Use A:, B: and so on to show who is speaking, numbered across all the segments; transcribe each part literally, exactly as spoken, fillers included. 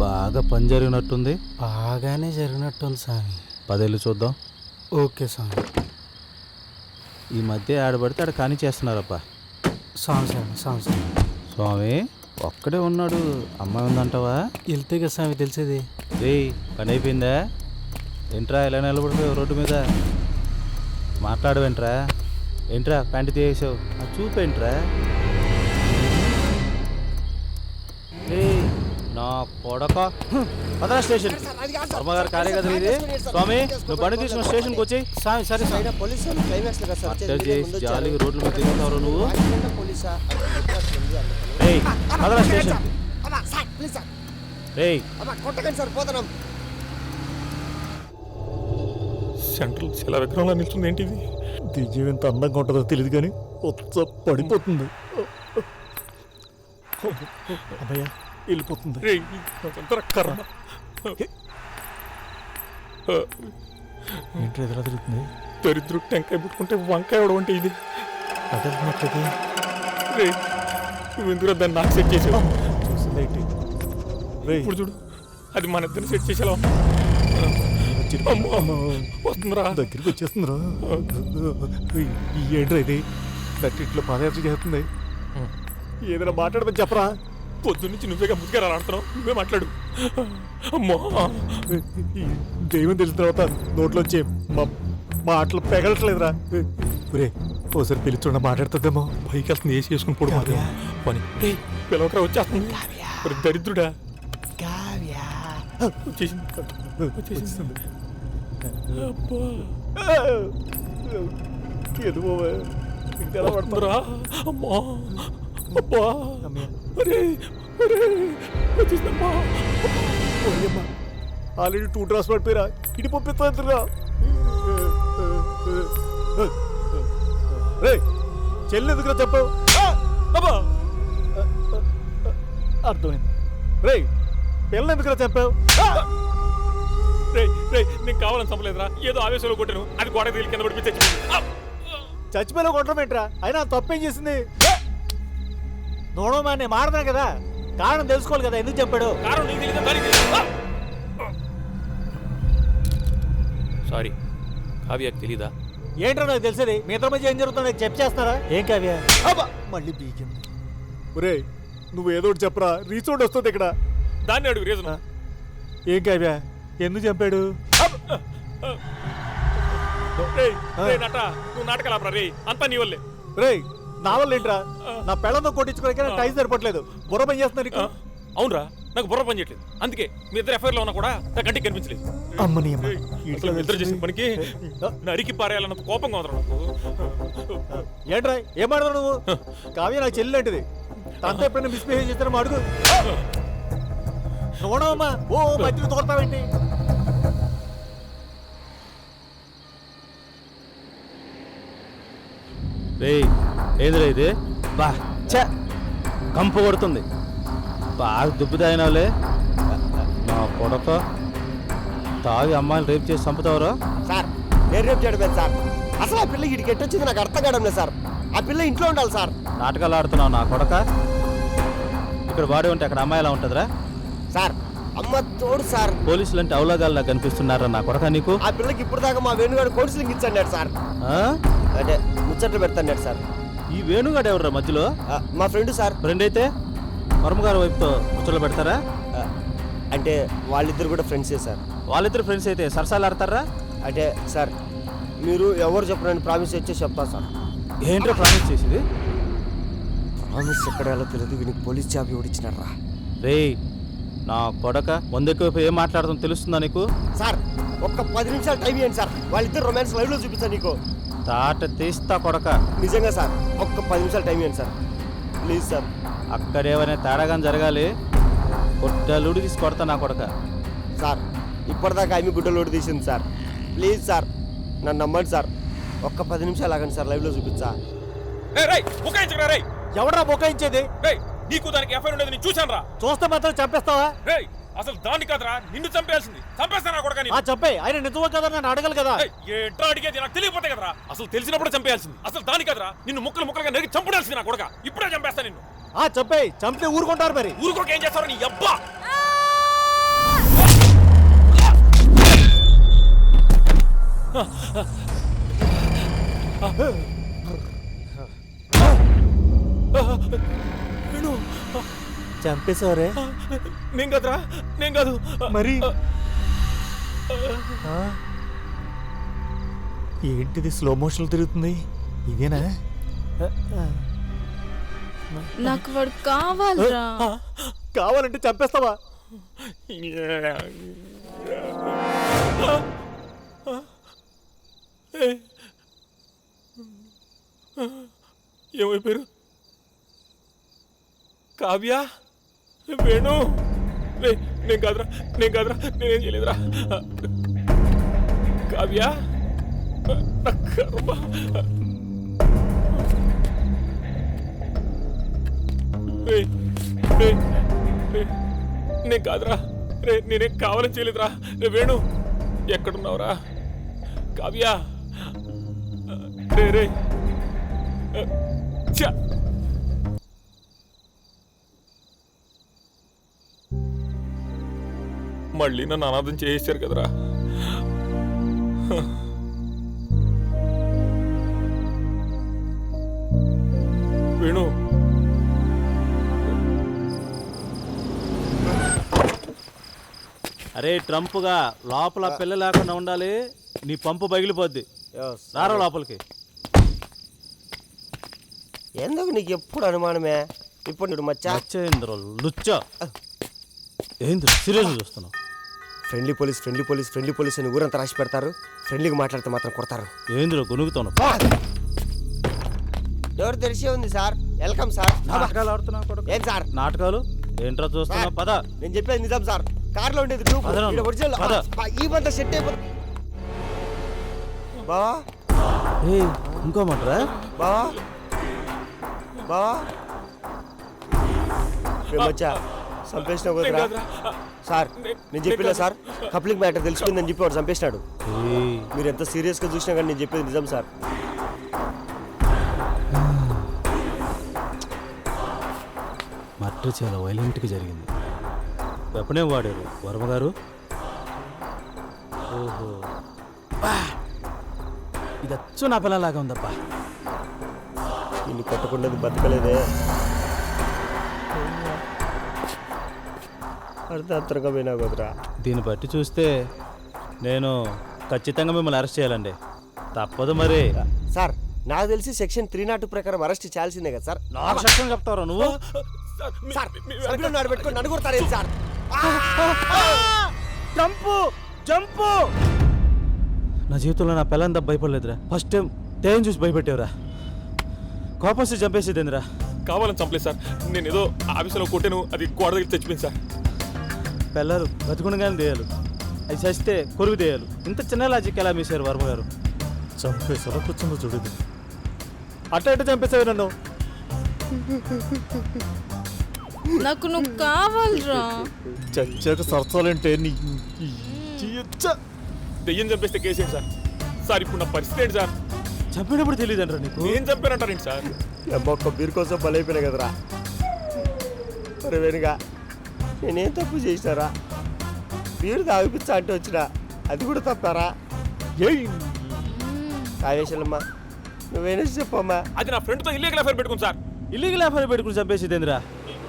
A: బాగా పని జరిగినట్టుంది.
B: బాగానే జరిగినట్టుంది స్వామి.
A: పదేళ్ళు చూద్దాం.
B: ఓకే స్వామి.
A: ఈ మధ్య ఆడబడితే ఆడ కాని చేస్తున్నారప్పా.
B: స్వామి స్వామి స్వామి స్వామి
A: స్వామి ఒక్కడే ఉన్నాడు, అమ్మాయి ఉందంటావా?
B: వెళ్తే కదా స్వామి తెలిసేది.
A: రే పని అయిపోయిందా? ఏంట్రా ఇలా నిలబడిపోయావు రోడ్డు మీద? మాట్లాడవేంట్రా? ఏంట్రా ప్యాంటు తీసేసావు? అది చూపేంట్రా? రే నా కొడక పదరా స్టేషన్. వర్మగారు కాలే కదా ఇది. స్వామి నువ్వు బండి తీసుకున్న స్టేషన్కి వచ్చి.
B: స్వామి సరే స్వామి.
A: అట్టర్ చేసి జాలిగా రోడ్ల మీద తిరుగుతావు నువ్వు. రే పదరా స్టేషన్. రే
C: సెంట్రల్ శిల విగ్రహంలో నిల్చుంది ఏంటిది? దివ్యం ఎంత అందంగా ఉంటుందో తెలియదు కానీ ఉత్స పడిపోతుంది. అమ్మయ్య వెళ్ళిపోతుంది. ఏంటి ఎదురా తిరుగుతుంది? దరిద్రుడు టెంకాయ పుట్టుకుంటే వంకాయ అవడం అంటే ఇది అదనట్లది. రే నువ్వు ఎందుకు దాన్ని నాకు సెట్ చేసావు? చూసింది ఏంటి? రే ఇప్పుడు చూడు, అది మన ఇద్దరిని సెట్ చేసేలా వస్తుందిరా, దగ్గరికి వచ్చేస్తుందిరా. ఏంట్రా ఇది? దట్టి ఇట్లా పాదయాత్ర చేస్తుంది. ఏదైనా మాట్లాడమని చెప్పరా? పొద్దున్నుంచి నువ్వేగా ముద్దుగా ఆడుతున్నావు, నువ్వే మాట్లాడు. అమ్మో దైవం తెలిసిన తర్వాత నోట్లోంచి మా మాటలు పెగలట్లేదురా. రే ఓసారి పిలుచుండ మాట్లాడుతుందేమో. పైకి వెళ్తుంది, ఏసి వేసుకుని పొడి మాత్రం పని పిలవకరా వచ్చేస్తుంది. దరిద్రుడా వచ్చేసింది వచ్చేసింది. ఇంకా పడుతురా. అమ్మా అబ్బా వచ్చేసిందమ్మా. ఆల్రెడీ టూ డ్రాస్ పడిపోయిరా, ఇటు పంపిస్తా. రే చెల్లి ఎందుకురా చెప్పావు? అర్థమైంది. రే పిల్లలు ఎందుకురా చెప్పావు? రే రే నీకు కావాలని చంపలేదురా, ఏదో ఆవేశంలో కొట్టాను, అది గోడ తీలి కింద పడిపోయి చచ్చిపోయిలో కొట్టడం ఏంట్రా? అయినా తప్పేం చేసింది? నోడమా నేను మాడతాను కదా, కారణం తెలుసుకోవాలి కదా, ఎందుకు చెప్పాడు? సారీ కావ్యకు తెలీదా? ఏంట్రా నాకు తెలిసేది? మీ ఇద్దరి మధ్య ఏం జరుగుతుందో చెప్పి చేస్తారా? ఏం కావ్య? మళ్ళీ బీజం. ఒరే నువ్వు ఏదో ఒకటి చెప్పరా, రీచోడ్ వస్తుంది ఇక్కడ. దాన్ని అడుగు రీజన్. ఏం కావ్య ఎందుకు చంపాడు? నువ్వు నాటకాలు రే, అంతా నీ వల్లే. రే నా వల్ల ఏంట్రా? నా పెళ్ళంతో కొట్టించుకోవడానికి టైం సరిపట్లేదు. బుర్ర పని చేస్తున్నా నీకు? అవునరా, నాకు బుర్ర పని చేయట్లేదు, అందుకే మీ ఇద్దరు ఎఫ్ఐఆర్ లో ఉన్నా కూడా నా కంటికి కనిపించలేదు. అమ్మని ఇద్దరు చేసిన పనికి నరికి పారేయాలన్నంత కోపంగా ఉందరా నాకు. ఏంట్రా ఏం మాడతావు నువ్వు? కావ్య నాకు చెల్లి లాంటిది, తనతో ఎప్పుడైనా మిస్బిహేవ్ చేస్తారో అడుగు. చూడమ్మా ఓ మధ్యలో తోడతావేంటి?
A: రే ఏదిరా ఇది? బా చ కంపు కొడుతుంది. బాగా దుబ్బు తాగినావులే నా కొడక. తాగి అమ్మాయిని రేపు చేసి చంపుతావరా?
D: సార్ నేను రేపు చేయడం సార్. అసలు ఆ పిల్ల ఇటుకి ఎట్టొచ్చింది నాకు అర్థం కావడం లేదు సార్. ఆ పిల్ల ఇంట్లో ఉండాలి సార్.
A: నాటకాలు ఆడుతున్నావు నా కొడక. ఇక్కడ బాడీ ఉంటే అక్కడ అమ్మాయి ఎలా ఉంటుందిరా?
D: సార్ అమ్మ తోడు సార్.
A: పోలీసులు అంటే అవలాగాల్లా కనిపిస్తున్నారా నా కొడక నీకు?
D: ఆ పిల్లకి ఇప్పుడు దాకా మా వేణుగాడు కౌన్సిలింగ్ ఇచ్చాడు సార్. అంటే ముచ్చట్లు పెడతాడు సార్.
A: ఈ వేణుగాడు ఎవర్రా మధ్యలో?
D: మా ఫ్రెండ్ సార్.
A: ఫ్రెండ్ అయితే వర్మగారు వైపుతో ముచ్చట్లు పెడతారా?
D: అంటే వాళ్ళిద్దరు కూడా ఫ్రెండ్సే సార్.
A: వాళ్ళిద్దరు ఫ్రెండ్స్ అయితే సరసాలు ఆడతారా?
D: అంటే సార్ మీరు ఎవరు చెప్పరని ప్రామిస్ ఇచ్చే చెప్తా సార్.
A: ఏంటో ప్రామిస్ చేసేది?
D: ప్రామిస్ ఎక్కడ ఎలా తెలియదు, వీనికి పోలీస్ జాబ్ ఎవడిచ్చినారా?
A: రే నా కొడక ముందెక్కువ ఏం మాట్లాడుతుందో తెలుస్తుందా నీకు?
D: సార్ ఒక్క పది నిమిషాలు టైం ఇవ్వండి సార్, వాళ్ళిద్దరు రొమాన్స్ లైవ్ లో చూపిస్తాను నీకు.
A: తాట తీస్తా కొడక.
D: నిజంగా సార్ ఒక్క పది నిమిషాలు టైం ఇవ్వండి సార్ ప్లీజ్ సార్.
A: అక్కడేమైనా తేడాగాని జరగాలి, గుడ్డలుడి తీసి కొడతా నా కొడక.
D: సార్ ఇప్పటిదాకా ఆమె గుడ్డలోడు తీసింది సార్. ప్లీజ్ సార్ నన్ను నమ్మండి సార్, ఒక్క పది నిమిషాలు ఆగండి సార్, లైవ్ లో చూపించా.
B: ఎవడరా బొకాయించేది?
C: నీకు దానికి ఎఫ్ఐఆర్ ఉండేది నేను చూశాను రా.
B: చూస్తే మాత్రం చంపేస్తావా?
C: అసలు దాన్ని కాదురా నిన్ను చంపేయాల్సింది. చంపేస్తాను కూడా.
B: చంపే ఆయన నిజమే కదా, నన్ను అడగలు కదా.
C: ఏంట్రా అడిగేది? నాకు తెలియకపోతే కదరా. అసలు తెలిసినప్పుడు చంపేయాల్సింది. అసలు దాని కదరా నిన్ను ముక్కలు ముక్కలుగా నరికి చంపడాల్సింది నా కొడక. ఇప్పుడే చంపేస్తా నిన్ను.
B: చంపే చంపితే ఊరుకుంటారు మరి.
C: ఊరుకోక ఏం చేస్తారో నీ అబ్బా.
B: వేణు
C: చంపేశావరే
B: నేను కదరా నేను కాదు
C: మరి ఆ? ఏంటిది స్లో మోషన్ తిరుగుతుంది ఇదేనా
E: నాకు వాడు కావాలిరా.
C: కావాలంటే చంపేస్తావా
B: ఏమైపోయారు? కావ్య, వేణు, రే నేను కాదురా నేను కాదురా నేనేం చేయలేదురా. కావ్య, నా కర్మ. రే రే రే నేను కాదురా, రే నేనేం కావాలని చేయలేదురా. రే వేణు ఎక్కడున్నావురా? కావ్య, రే రే ఛ! మళ్ళీ నన్ను అనాథం చేసేసారు కదరా. వేణు,
A: అరే ట్రంప్గా లోపల పిల్ల లేకుండా ఉండాలి. నీ పంపు పగిలిపోద్ది. రారా లోపలికి.
D: ఎందుకు నీకు ఎప్పుడు అనుమానమే? ఇప్పుడు నువ్వు మచ్చా
A: వచ్చేంద్ర లుచ్చ ఏంద్ర సీరియస్ చూస్తున్నావు?
D: Friendly police friendly police friendly police అని ఊరంతా రాసి పెడతారు. ఫ్రెండ్లీగా మాట్లాడితే మాత్రం కొడతారు.
A: ఏంద్ర గొనుగుతున్నావు?
D: డోర్ తెరిచే ఉంది సార్. Welcome sir.
A: నాటకాలు ఆడుతున్నావు కొడుకు.
D: ఏం సార్
A: నాటకాలు ఏంట్రా చూస్తున్నావు? పద.
D: నేను చెప్పేది నిజం సార్. కార్లో ఉండేది గ్రూప్.
A: పదరా.
D: ఈడ ఒరిజినల్.
A: పద.
D: ఆ, ఈ బంత సెట్ అయిపోతుంది. బావా
A: ఏ ఇంకో మాటరా?
D: బావా బావా మచ్చా చంపేసినావు కదరా సార్. నేను చెప్పినా సార్, కప్లింగ్ మ్యాటర్ తెలిసిపోయిందని చెప్పి వాడు చంపేసినాడు.
A: ఏయ్,
D: మీరు ఎంత సీరియస్గా చూసినా కానీ నేను చెప్పేది నిజం సార్.
A: మర్డర్ చాలా వైలెంట్గా జరిగింది. వెపనే వాడారు వర్మ గారు. ఓహో, బా, ఇది అచ్చు నా పిల్లలాగా ఉందబ్బా.
D: నిన్ను కొట్టకుండా బతకలేదే. అర్ధాంతరంగా పోయినా కదరా.
A: దీన్ని బట్టి చూస్తే నేను ఖచ్చితంగా మిమ్మల్ని అరెస్ట్ చేయాలండి. తప్పదు మరి.
D: సార్ నాకు తెలిసి సెక్షన్ త్రీ నాట్ ప్రకారం అరెస్ట్ చేయాల్సిందే కదా సార్.
A: నాకు సెక్షన్ చెప్తారా నువ్వు?
D: సార్ సరుకులు నాడు పెట్టుకొని నన్ను కొడతారేంటి సార్?
A: Jump jump. నా జీవితంలో నా పిల్లంతా భయపడలేదురా. ఫస్ట్ టైం తేయం చూసి భయపెట్టేవరా. కోపం వస్తే చంపేసేదేందిరా.
B: కావాలని చంపలేదు సార్. నేను ఏదో ఆఫీసులో కొట్టాను, అది గోడ దగ్గర చచ్చిపోయింది సార్.
A: పిల్లలు బతుకుండగానే దేయాలు, అది చస్తే కొరుగు దేయాలు. ఇంత చిన్న లాజిక్ ఎలా మీసారు వర్మ గారు?
C: చంపేసారా? కూర్చుందో చూడదు. అట్ట ఎట్ట చంపేసావు నన్ను?
E: నాకు నువ్వు కావాలిరా.
C: చచ్చాక సరసాలంటే నీ
B: దెయ్యం చంపేస్తే కేసేంటి సార్? సార్ ఇప్పుడు నా పరిస్థితి ఏంటి సార్?
A: చంపినప్పుడు తెలియదు అంటారా నీకు?
B: నేను చంపానంటారేంటి సార్?
D: ఒక్క బీర్ కోసం బలైపోయినా కదరా. మరి వెనుగా నేనేం తప్పు చేసినారా? బీరు తాగిపిచ్చా అంటే వచ్చినా అది కూడా తప్పారా? కావేశలమ్మా నువ్వేనా చెప్పమ్మా.
B: అది నా ఫ్రెండ్తో ఇల్లీగల్ అఫైర్ పెట్టుకుంది సార్.
A: ఇల్లీగల్ అఫైర్ పెట్టుకుని చంపేసేదేందిరా?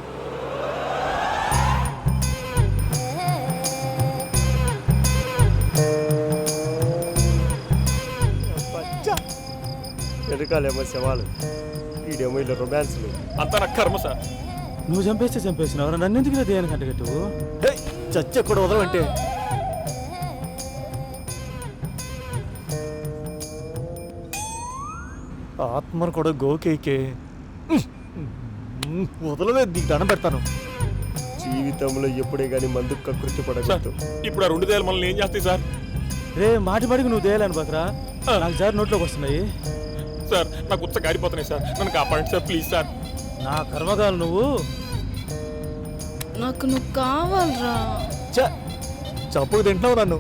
D: వెనకాలేమో శవాలు, ఈడేమో ఇలా రొమాన్స్లు.
B: అంతా నా కర్మ సార్.
A: నువ్వు చంపేస్తే చంపేసినావు. నన్ను ఎందుకు దేయానికి అంటగట్టు?
C: చచ్చ కూడా వదలంటే ఆత్మను కూడా గోకేకే వదలలేదు. నీకు దండం పెడతాను.
D: జీవితంలో ఎప్పుడే కానీ మందుకు కకృతి పడగలదు.
B: ఇప్పుడు ఆ రెండు దేయాలు మనల్ని ఏం చేస్తాయి సార్?
A: రే మాటి మాటికి నువ్వు దేయాలని బకరా. నాకు జారి నోట్లోకి వస్తున్నాయి
B: సార్. నాకు ఉత్స గారిపోతున్నాయి సార్. నన్ను కాపాడండి సార్, ప్లీజ్ సార్.
A: నా కర్మగాలు నువ్వు.
E: నాకు నువ్వు కావాలిరా.
C: చంపుకు తింటున్నావు నన్ను.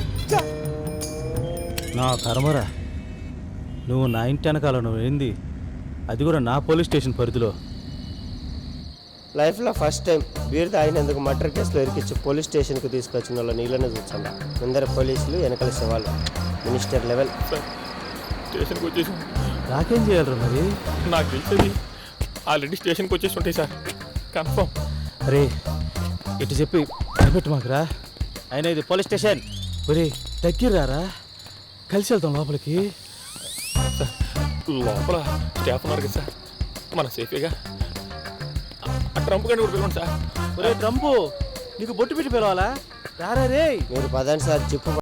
A: నా కర్మరా. నువ్వు నా ఇంటి వెనకాల నువ్వు ఏంది, అది కూడా నా పోలీస్ స్టేషన్ పరిధిలో.
D: లైఫ్లో ఫస్ట్ టైం బీర్ తాగినందుకు మర్డర్ కేసులో ఇరికిచ్చి పోలీస్ స్టేషన్కి తీసుకొచ్చిన వాళ్ళ నీళ్ళని చూసండి. ముందర పోలీసులు వెనకాల శవాలు. Minister level.
B: సార్ స్టేషన్కి వచ్చేసాం.
A: నాకేం చేయాలరా మరి?
B: నాకు తెలిసేది ఆల్రెడీ స్టేషన్కి వచ్చేసి ఉంటాయి సార్, కన్ఫర్మ్.
A: అరే ఇటు చెప్పి భయపెట్టు మాకురా. అయినా ఇది పోలీస్ స్టేషన్. ఒరే దగ్గరారా, కలిసి వెళ్తాం లోపలికి.
B: సార్ లోపల స్టాఫ్ ఉన్నారు కదా సార్, మన సేఫేగా. ఆ ట్రంప్ గారిని కూడా పిలవండి సార్.
A: ఒరే ట్రంపు, నీకు బొట్టు పెట్టి పిలవాలా? రారా రే.
D: మీరు పదండి సార్, జిప్పు